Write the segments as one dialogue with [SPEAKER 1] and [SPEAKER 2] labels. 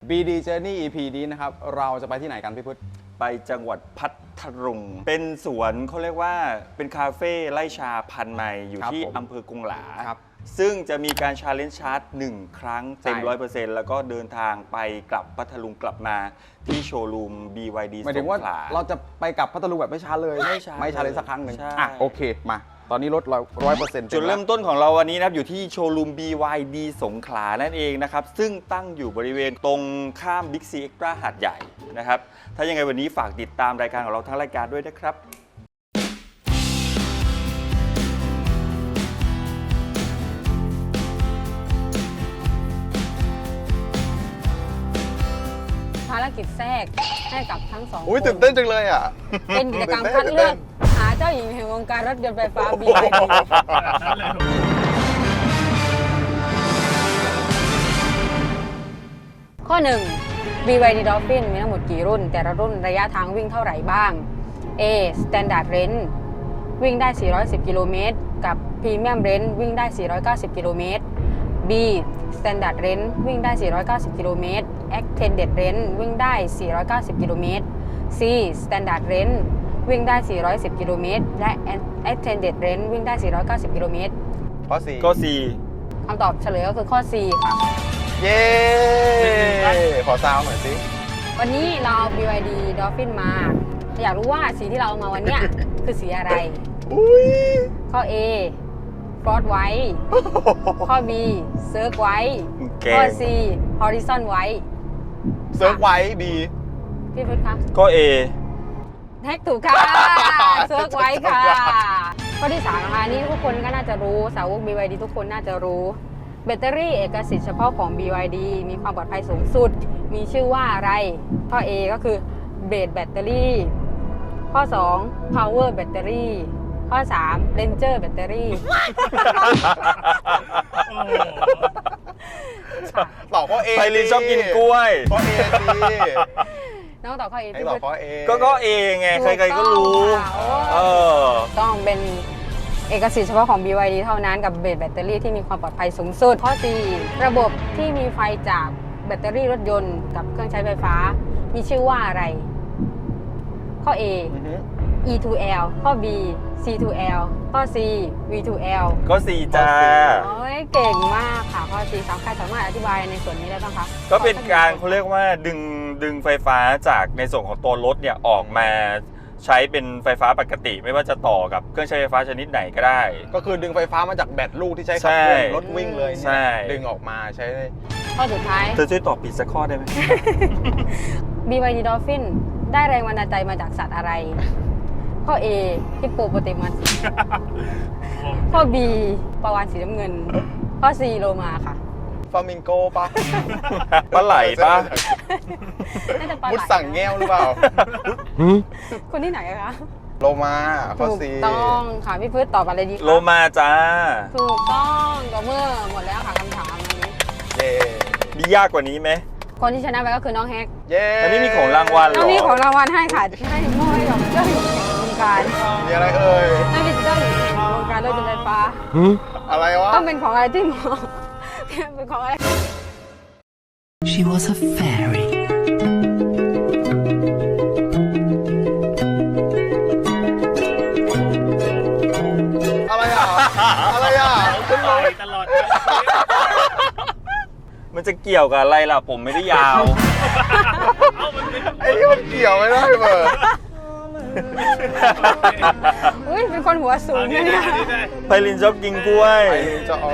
[SPEAKER 1] BD Journey EP นี้นะครับเราจะไปที่ไหนกันพี่พุทธ
[SPEAKER 2] ไปจังหวัดพัทลุงเป็นสวนเขาเรียกว่าเป็นคาเฟ่ไร่ชาพันไมล์อยู่ที่อำเภอกงหลาซึ่งจะมีการชาเลนจ์ชาร์จ1ครั้งเต็ม 100% แล้วก็เดินทางไปกลับพัทลุงกลับมาที่โชว์รูม BYD
[SPEAKER 1] หมายถึงว่าเราจะไปกลับพัทลุงแบบไม่ช้าเลยไม่ช้าเลยสักครั้งหนึ่งโอเคมาตอนนี้รถเรา 100%
[SPEAKER 2] จุดเริ่มต้นของเราวันนี้นะครับอยู่ที่โชว์รูม BYD สงขลานั่นเองนะครับซึ่งตั้งอยู่บริเวณตรงข้าม Big C Extra หาดใหญ่นะครับถ้ายังไงวันนี้ฝากติดตามรายการของเราทั้งรายการด้วยนะครับ
[SPEAKER 3] ภารกิจแทรกให้กับทั้งสองคน
[SPEAKER 1] ตื่นเต้นจังเลยอ่ะ
[SPEAKER 3] เป็นกิจกรรมคัดเลือกหาเจ้าหญิงแห่งวงการรถยนต์ไฟฟ้า BYD ข้อ 1 BYD Dolphin มีทั้งหมดกี่รุ่นแต่ละรุ่นระยะทางวิ่งเท่าไหร่บ้าง A Standard Range วิ่งได้ 410 กิโลเมตรกับ Premium Range วิ่งได้ 490 กิโลเมตร B Standard Range วิ่งได้ 490 กิโลเมตร Extended Range วิ่งได้ 490 กิโลเมตร C Standard Range วิ่งได้ 410 กิโลเมตรและ Extended Range วิ่งได้ 490 กิโลเมตร
[SPEAKER 1] ข้อ
[SPEAKER 2] C
[SPEAKER 3] คำตอบเฉลยก็คือข้อ C ค่ะ
[SPEAKER 1] 4เย้ขอซาวหน่อยสิ
[SPEAKER 3] วันนี้เราเอา BYD Dolphin มาอยากรู้ว่าสีที่เราเอามาวันเนี้ย คือสีอะไร ข้อ A Frost White ข้อ B Cirque White ข้อ C Horizon White
[SPEAKER 1] เซิร์ฟไว้ดี
[SPEAKER 3] พี่พุทธคะ
[SPEAKER 2] ก็ A
[SPEAKER 3] แท็กถูกค่ะ Cirque White ค่ะ ข้อที่ 3 นะคะนี่ทุกคนก็น่าจะรู้สาวก BYD ทุกคนน่าจะรู้แบตเตอรี่เอกสิทธิ์เฉพาะของ BYD มีความปลอดภัยสูงสุดมีชื่อว่าอะไร ข้อ A ก็คือ Blade Battery ข้อ 2 Power Battery ข้อ 3 Ranger Battery
[SPEAKER 1] ตอบข้อ A
[SPEAKER 2] ไพลินชอบกินกล้วย
[SPEAKER 1] ข้อ A สิ
[SPEAKER 3] น้องตอบข้อ A
[SPEAKER 1] ให้ตอบข้อ A
[SPEAKER 2] ก็ A ไงใครๆก็รู้
[SPEAKER 3] ต้องเป็นเอกสิทธิ์เฉพาะของ BYD เท่านั้นกับเบสแบตเตอรี่ที่มีความปลอดภัยสูงสุด ข้อ 4 ระบบที่มีไฟจากแบตเตอรี่รถยนต์กับเครื่องใช้ไฟฟ้ามีชื่อว่าอะไร ข้อ A E2L ข้อ B C2L ข้อ C V2L
[SPEAKER 2] ก็ C จ้า
[SPEAKER 3] โอ้ยเก่งมากค่ะข้อ C ใครสามารถอธิบายในส่วนนี้ได้บ้างคะ
[SPEAKER 2] ก็เป็นการเขาเรียกว่าดึงไฟฟ้าจากในส่วนของตัวรถเนี่ยออกมาใช้เป็นไฟฟ้าปกติไม่ว่าจะต่อกับเครื่องใช้ไฟฟ้าชนิดไหนก็ได้
[SPEAKER 1] ก็คือดึงไฟฟ้ามาจากแบตลูกที่ใช้ขับเคลื่อนรถวิ่งเลย
[SPEAKER 2] ใช่
[SPEAKER 1] ดึงออกมาใช้
[SPEAKER 3] ข้อสุดท้าย
[SPEAKER 2] เธอช่วยตอบผิดสักข้อได้ไหม
[SPEAKER 3] BYD Dolphin ได้แรงบันดาลใจมาจากสัตว์อะไร ข้อ A ฮิปโปโปเตมัส ข้อ B ปลาวาฬสีน้ำเงิน ข้อ C โลมาค่ะ
[SPEAKER 1] ฟามิงโกปะ
[SPEAKER 2] ปลาไหลปะ
[SPEAKER 3] น่าจะปลาไหล
[SPEAKER 1] มุดสั่งแก้วหรือเปล่า
[SPEAKER 3] คนที่ไหนอะคะ
[SPEAKER 1] โลมาข้อ
[SPEAKER 3] ถูก
[SPEAKER 1] C
[SPEAKER 3] ต้องค่ะพี่พืชตอบอะไรดีคะ
[SPEAKER 2] โลมาจ้า
[SPEAKER 3] ถูกต้องก็เมื่อหมดแล้วค่ะคำถามอันนี้
[SPEAKER 1] เย้
[SPEAKER 2] มียากกว่านี้ไหม
[SPEAKER 3] คนที่ชนะไปก็คือน้องแฮก
[SPEAKER 1] เย้
[SPEAKER 2] อันนี้มีของรางวัลเหร
[SPEAKER 3] น้
[SPEAKER 2] อ
[SPEAKER 3] องมีของรางวัลให้ค่ะให้มอบให้กับเจ้าหญิงแห่งวงการ
[SPEAKER 1] มีอะไรเอ่ย
[SPEAKER 3] นั่นเป็นเจ้าหญิงแห่งวงการรถยนต์ไฟฟ้า
[SPEAKER 1] อะไรวะ
[SPEAKER 3] ต้องเป็นของอะไรที่เหมาะเป็นของอะไร
[SPEAKER 4] She was a fairy.
[SPEAKER 1] อะไรอ่ะ อะไรอ่ะขึ้นลง
[SPEAKER 5] ตลอด
[SPEAKER 2] มันจะเกี่ยวกับอะไรล่ะผมไม่ได้ยาว
[SPEAKER 1] ไอ้นี่มันเกี่ยวไม่ได้เบอร์
[SPEAKER 3] อุ้ยเป็นคนหัวสูงนะเนี่ย
[SPEAKER 2] ไพลินชอบกินกล้วย
[SPEAKER 1] ไอ้จะเอา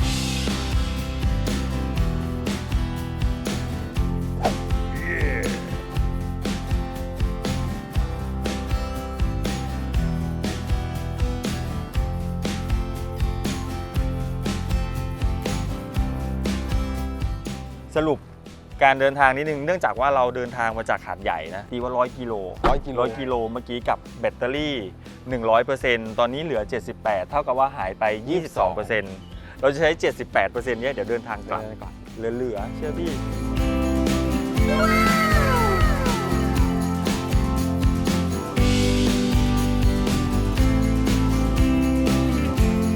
[SPEAKER 2] สรุปการเดินทางนิดนึงเนื่องจากว่าเราเดินทางมาจากหาดใหญ่นะตีว่า100 กิโล 100 กิโลเมื่อกี้กับแบตเตอรี่ 100% ตอนนี้เหลือ 78 เท่ากับว่าหายไป 22% เราจะใช้ 78%เนี่ยเดี๋ยวเดินทางกลับก่อนเหลือเชื่อพี่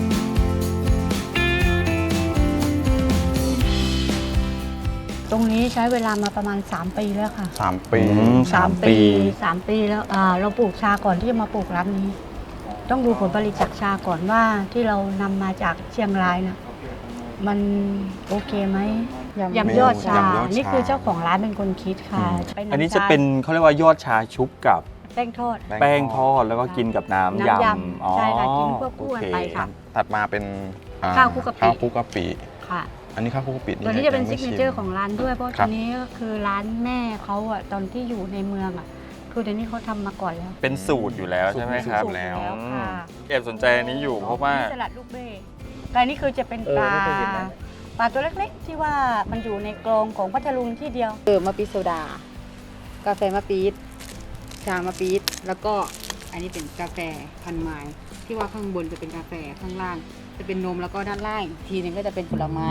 [SPEAKER 3] ตรงนี้ใช้
[SPEAKER 5] ช้เวลามาประมาณ 3 ปีแล้วค่ะ
[SPEAKER 1] 3 ปี
[SPEAKER 5] 3 ปีแล้วเราปลูกชาก่อนที่จะมาปลูกร้านนี้ ต้องดูผลผลิตจากชาก่อนว่าที่เรานำมาจากเชียงรายนะมันโอเคไหมยำยอดชา นี่คือเจ้าของร้านเป็นคนคิดค่ะ
[SPEAKER 2] อันนี้จะเป็นเขาเรียกว่ายอดชาชุบกับ
[SPEAKER 5] แป้งทอด
[SPEAKER 2] แป้งทอดแล้วก็กินกับน้ำยำ
[SPEAKER 5] ใช่ค่ะกินควบคู่กันไปค่ะ
[SPEAKER 1] ถัดมาเป็น
[SPEAKER 5] ข้าวคลุกกะปิ
[SPEAKER 1] ข้าวคลุกกะปิ
[SPEAKER 5] ค่ะ
[SPEAKER 1] อันนี้ข้าวคลุกกะปิ
[SPEAKER 5] ตัวนี้จะเป็นซิ
[SPEAKER 1] ยัง
[SPEAKER 5] ก
[SPEAKER 1] ไม่
[SPEAKER 5] เน
[SPEAKER 1] ชิม
[SPEAKER 5] เจอร์ของร้านด้วยเพราะ
[SPEAKER 1] ครั
[SPEAKER 5] ตัว
[SPEAKER 1] บ
[SPEAKER 5] นี้ก็คือร้านแม่เขาอะตอนที่อยู่ในเมืองอะคือเดี๋ยวนี้เขาทำมาก่อนแล้ว
[SPEAKER 2] เป็นสูตรอยู่แล้วใช่ไหมครับ
[SPEAKER 5] สูตรอยู่แล้วค่ะ
[SPEAKER 2] แอบสนใจอันนี้อยู่เพราะว่า
[SPEAKER 5] สลัดลูกเบ้แต่อันนี้คือจะเป็นปลา
[SPEAKER 2] ไม่เคยเห็นนะ
[SPEAKER 5] ปลาตัวเล็กๆ ที่ว่ามันอยู่ในกรงของพัทลุงที่เดียว
[SPEAKER 3] มะปี๊ดโซดา กาแฟมะปี๊ดชามะปี๊ดแล้วก็อันนี้เป็นกาแฟพันไม้ที่ว่าข้างบนจะเป็นกาแฟข้างล่าง จะเป็นนมแล้วก็ด้านล่างอีกทีหนึงก็จะเป็นผลไม้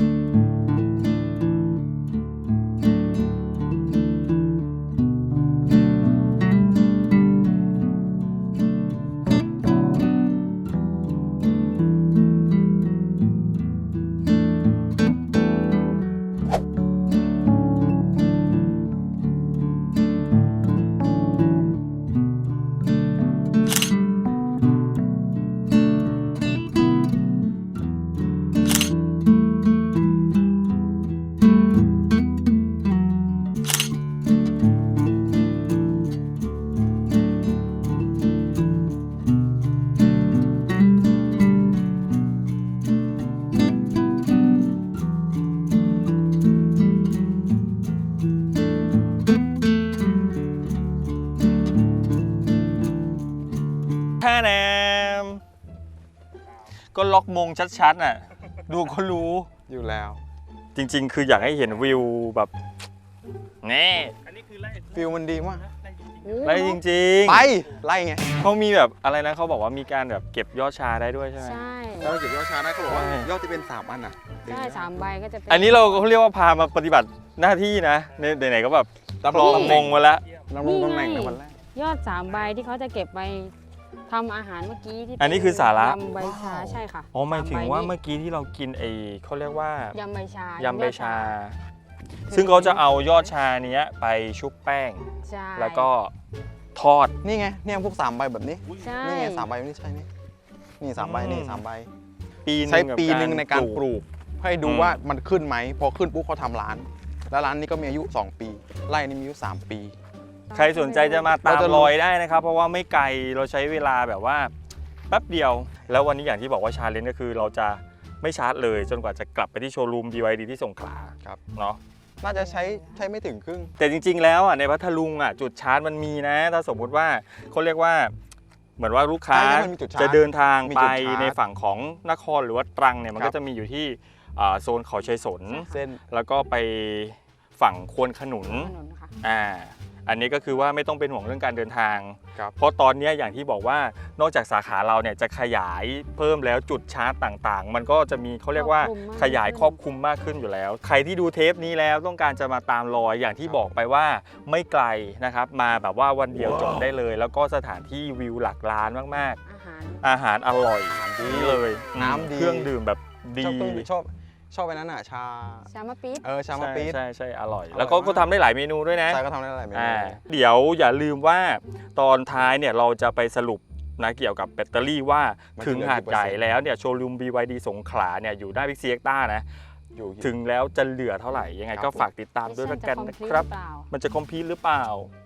[SPEAKER 2] แท่แนมก็ล็อกมงชัดๆน่ะ ดูก็รู้
[SPEAKER 1] อยู่แล้ว
[SPEAKER 2] จริงๆ คืออยากให้เห็นวิวแบบนี่
[SPEAKER 1] ฟิลมันดีมาก
[SPEAKER 2] ไล่จริงๆ
[SPEAKER 1] ไปไล่ไง
[SPEAKER 2] เขามีแบบอะไรนะเขาบอกว่ามีการแบบเก็บยอดชาได้ด้วยใช่ไหม
[SPEAKER 3] ใช่
[SPEAKER 1] แล้วเก็บยอดชาได้เขาบอกว่า
[SPEAKER 2] ใช่
[SPEAKER 1] ยอดที่เป็น3อันน่ะ
[SPEAKER 3] ใช่3 ใบก็จะเป็น
[SPEAKER 2] อันนี้เราเรียกว่าพามาปฏิบัติหน้าที่นะไหนๆก็แบบ
[SPEAKER 1] รับ
[SPEAKER 2] ค
[SPEAKER 1] ร
[SPEAKER 2] ร
[SPEAKER 1] อ
[SPEAKER 2] อง งมงมาแล้ว
[SPEAKER 1] รับรองตำแหน่งในวันแรก
[SPEAKER 3] ยอด3 ใบที่เขาจะเก็บไปทำอาหารเมื่อกี้ที่เป็
[SPEAKER 2] อันนี้คือสาระ
[SPEAKER 3] ยำใบชาใช่ค่ะ
[SPEAKER 2] อ๋อหมายถึง
[SPEAKER 3] 3 ใบ
[SPEAKER 2] ว่า
[SPEAKER 3] นี้
[SPEAKER 2] เมื่อกี้ที่เรากินเขาเรียกว่าย
[SPEAKER 3] ำใบชาย
[SPEAKER 2] ยำใบชา ซึ่งเขาจะเอายอดชาเนี้ยไปชุบแป้ง
[SPEAKER 3] ใช่
[SPEAKER 2] แล้วก็ทอด
[SPEAKER 1] นี่ไงเนี่ยพวก3ใบแบบนี้
[SPEAKER 3] ใช่
[SPEAKER 1] นี่ไง3ใบนี่ใช่นี่3ใบนี่3ใบ
[SPEAKER 2] ปีหนึ่ง
[SPEAKER 1] ใช้
[SPEAKER 2] กับ
[SPEAKER 1] ปีหนึ่งในการปลูก ให้ดู
[SPEAKER 2] อืม
[SPEAKER 1] ว่ามันขึ้นไหม พอขึ้นปุ๊บเขาทำร้าน แล้วร้านนี้ก็มีอายุ 2 ปี ไร่นี้มีอายุ 3 ปี
[SPEAKER 2] ใครสนใจจะมาตาม
[SPEAKER 1] เราจะรู้
[SPEAKER 2] รอยได้นะครับ เพราะว่าไม่ไกลเราใช้เวลาแบบว่าแป๊บเดียว แล้ววันนี้อย่างที่บอกว่าชาเลนจ์ก็คือเราจะไม่ชาร์จเลยจนกว่าจะกลับไปที่โชว์รูม BYD ที่สงขลา
[SPEAKER 1] ครับ
[SPEAKER 2] เนาะ
[SPEAKER 1] น่าจะใช้ไม่ถึงครึ่ง
[SPEAKER 2] แต่จริงๆแล้วอ่ะในพัทลุงอ่ะจุดชาร์จมันมีนะ ถ้าสมมุติว่าเขาเรียกว่าเหมือนว่าลูกค้า
[SPEAKER 1] ใช่มันมีจุดชาร์จ
[SPEAKER 2] จะเดินทาง
[SPEAKER 1] มี
[SPEAKER 2] ไป
[SPEAKER 1] จุดชาร์จ
[SPEAKER 2] ในฝั่งของนครหรือว่าตรังเนี่ยมัน
[SPEAKER 1] ครั
[SPEAKER 2] ก็
[SPEAKER 1] บ
[SPEAKER 2] จะมีอยู่ที่โซนเขาชัยสน
[SPEAKER 1] เส้น
[SPEAKER 2] แล้วก็ไปฝั่งควนขนุน
[SPEAKER 3] ถนนค่ะ
[SPEAKER 2] อันนี้ก็คือว่าไม่ต้องเป็นห่วงเรื่องการเดินทาง
[SPEAKER 1] ครับ
[SPEAKER 2] เพราะตอนนี้อย่างที่บอกว่านอกจากสาขาเราเนี่ยจะขยายเพิ่มแล้วจุดชาร์จต่างๆ มันก็จะมีเขาเรียกว่า
[SPEAKER 3] ครอบคลุมมาก
[SPEAKER 2] ขยายครอบคลุมมากขึ้นอยู่แล้ว ใครที่ดูเทปนี้แล้วต้องการจะมาตามรอยอย่างที่บอกไปว่าไม่ไกลนะครับมาแบบว่าวันเดียวจบได้เลย แล้วก็สถานที่วิวหลักล้านมาก
[SPEAKER 3] อาหาร
[SPEAKER 2] ๆ อาหารอร่อย
[SPEAKER 1] ดี
[SPEAKER 2] นี่เลย
[SPEAKER 1] น้ำดี
[SPEAKER 2] เครื่องดื่มแบบดี
[SPEAKER 1] ชอบไปนั้นอ่ะชา
[SPEAKER 3] ชามะปี๊ด
[SPEAKER 1] ชามะปี๊ด
[SPEAKER 2] ใช่อร่อย
[SPEAKER 1] อร่อย
[SPEAKER 2] แล้วก็
[SPEAKER 1] มาก
[SPEAKER 2] ก็ทำได้หลายเมนูด้วยนะ
[SPEAKER 1] ใช่ก็ทำได้หลายเมนู
[SPEAKER 2] เดี๋ยวอย่าลืมว่าตอนท้ายเนี่ยเราจะไปสรุปนะเกี่ยวกับแบตเตอรี่ว่าถึงหาดใหญ่แล้วเนี่ยโชว์รูม BYD สงขลาเนี่ยอยู่หน้าบิ๊กซีเอ็กต้านะ
[SPEAKER 1] อยู่
[SPEAKER 2] ถึงแล้วจะเหลือเท่าไหร่ยังไง
[SPEAKER 1] ครับ
[SPEAKER 2] ก็ฝากติดตามด้วยละกันนะครับ มันจะคอมพลีทหรือเปล่า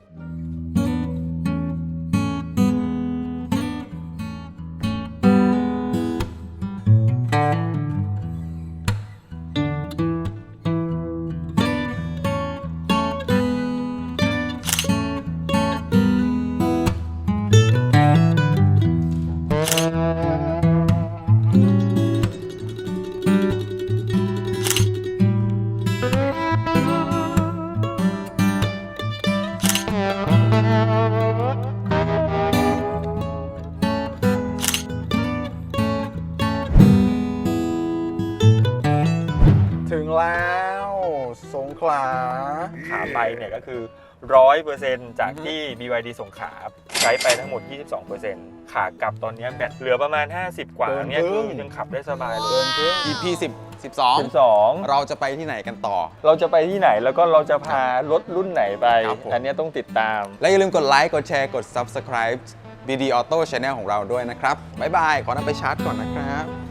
[SPEAKER 1] ถึงแล้วสงขลา
[SPEAKER 2] ขาไปเนี่ยก็คือ 100% จากที่ BYD สงขลาใช้ไปทั้งหมด 22% ขากลับตอนนี้แบตเหลือประมาณ 50 กว่าเนี่ย
[SPEAKER 1] เกินครึ่ง
[SPEAKER 2] ยังขับได้สบายเล
[SPEAKER 1] เกิ
[SPEAKER 2] ย
[SPEAKER 1] นครึ่ง EP 12 เราจะไปที่ไหนกันต่อ
[SPEAKER 2] เราจะไปที่ไหนแล้วก็เราจะพารถรุ่นไหนไป
[SPEAKER 1] ครับผม
[SPEAKER 2] อันเนี้ยต้องติดตาม
[SPEAKER 1] และอย่าลืมกดไลค์ กดแชร์ กด Subscribe BD Auto Channel ของเราด้วยนะครับ บ๊ายบาย ขอนำไปชาร์จก่อนนะครับ